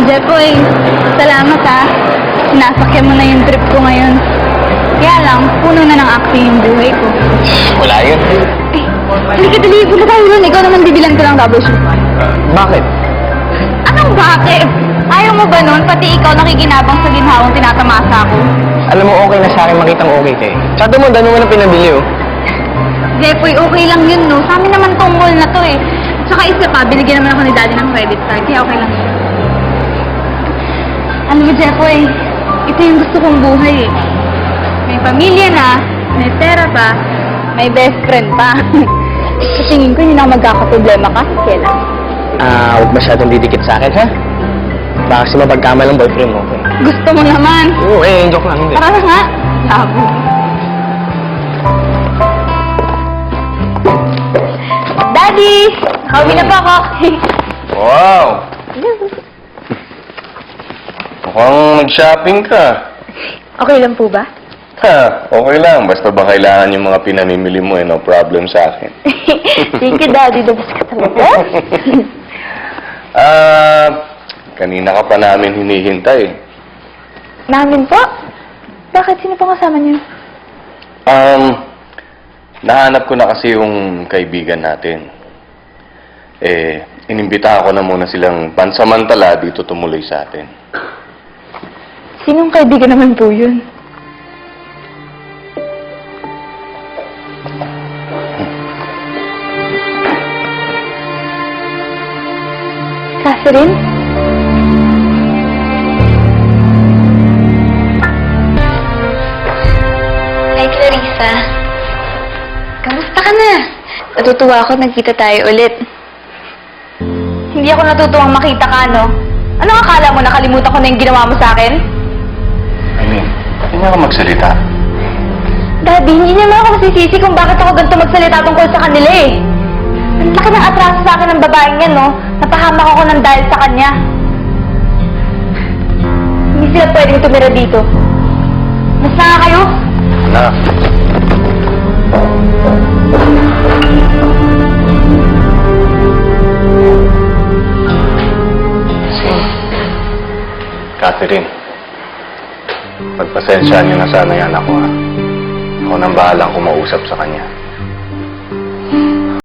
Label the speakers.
Speaker 1: Jepoy, salamat ha. Sinasakyan mo na yung trip ko ngayon. Kaya lang, puno na ng acting yung buhay ko.
Speaker 2: Wala yun.
Speaker 1: Halika dali, punta tayo doon. Ikaw naman bibilan ko ng troubleshoot.
Speaker 2: Bakit?
Speaker 1: Anong bakit? Ayaw mo ba nun? Pati ikaw nakikinabang sa ginhawang tinatamasa ko.
Speaker 2: Alam mo, okay na sa akin makitang okay ka eh. Tsaka mo, dami mo na pinabili oh.
Speaker 1: Jepoy, okay lang yun, no? Sa amin naman tong mall na to eh. Tsaka isa pa, binigyan naman ako ni Daddy ng credit card, kaya okay lang yun. Alam mo, Jepoy, ito yung gusto kong buhay eh. May pamilya na, may pera pa, may best friend pa. Sa tingin ko, hindi na ako magkakaproblema kasi kailan.
Speaker 2: Huwag masyadong didikit sa akin, ha? Baka kasi mapagkama lang boyfriend mo, okay?
Speaker 1: Gusto mo naman.
Speaker 2: Oo, joke lang, hindi.
Speaker 1: Tara na nga. Labo. Daddy! Nakauwi na pa ako.
Speaker 3: Wow! Mukhang nag-shopping ka.
Speaker 1: Okay lang po ba?
Speaker 3: Ha, okay lang. Basta ba kailangan yung mga pinamimili mo no problem sa akin.
Speaker 1: Thank you, Daddy. Dabas ka talaga.
Speaker 3: Kanina ka pa namin hinihintay.
Speaker 1: Namin po? Bakit? Sino po kasama niyo?
Speaker 3: Nahanap ko na kasi yung kaibigan natin. Inimbitahan ko na muna silang pansamantala dito tumuloy sa atin.
Speaker 1: Sinong kaibigan naman po yun? Catherine?
Speaker 4: Hi, Clarissa. Kamusta ka na? Natutuwa ako nagkita tayo ulit.
Speaker 1: Hindi ako natutuwang makita ka, no? Ano akala mo? Nakalimutan ko na yung ginawa mo sa akin?
Speaker 3: Hindi ka magsalita.
Speaker 1: Daddy, hindi naman ako masisisi kung bakit ako ganito magsalita tungkol sa kanila eh. Ang laki ng atraso sa akin ng babaeng yan, no? Napahamak ako ng dahil sa kanya. Hindi sila pwedeng tumira dito. Mas na nga kayo?
Speaker 3: Na. Catherine, pagpasensyaan niyo na sana yan ako ha. Ako nang bahalang kumausap sa kanya.